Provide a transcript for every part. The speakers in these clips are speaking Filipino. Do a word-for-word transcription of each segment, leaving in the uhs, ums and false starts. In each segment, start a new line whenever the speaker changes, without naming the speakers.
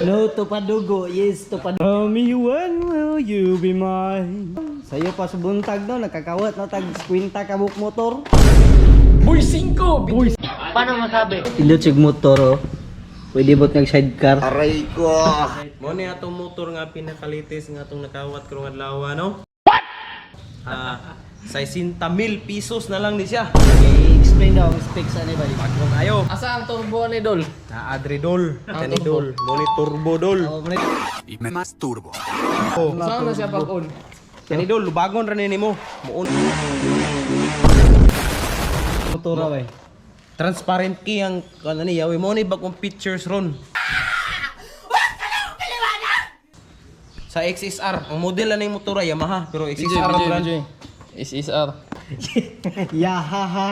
No to padugo, yes to padugo. Tell me when will you be mine? Sa'yo pa sa buntag no, nakakawat no, tag kwinta kabuk motor.
Boy, singko! Boy!
Paano masabi?
Pindot sig motor oh. Pwede bot ng sidecar.
Aray ko!
Mo ni atong motor nga pinakalitis nga atong nakawat karong adlaw no? What? Ah, sixty mil pesos na lang ni siya.
I-explain daw ang specs ani ba?
Kung ayo,
Asa ang turbo ni Dol?
na Adridol,
Ah,
Tanidol, mo ni Turbo Dol.
Oh, muna.
Oh,
Saan na siya pag-on?
Tanidol, lubagon ra nimo. Muon
Motor ra bay.
transparent key ang ano ni yawi mo ni bagong pictures ron. Sa X S R, ang model na ng motor ay Yamaha, pero X S R ang brand.
Is is R.
Ya ha ha.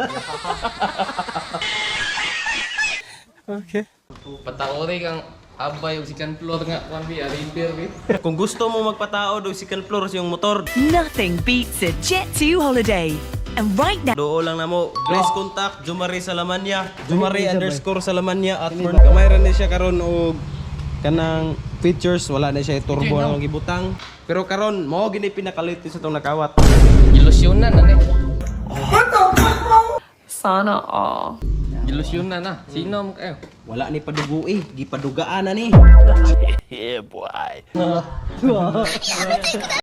Okay.
Pataori kang abay og second floor nga kwan bi repair bi.
Kung gusto mo magpatao do second floor sa iyong motor,
Nothing beats a Jet two holiday. And right now,
doo lang na mo. Please contact Jumari Salamanya, Jumari underscore Salamanya at for kamay ra ni siya karon og kanang features, wala na siya turbo na gibutang. Pero karon mao gini pinakalit sa tong nakawat.
Ilusyonan na ni.
Sana all.
Ilusyonan na. Sino mo kayo?
Wala ni padugo eh, gipadugaan na ni.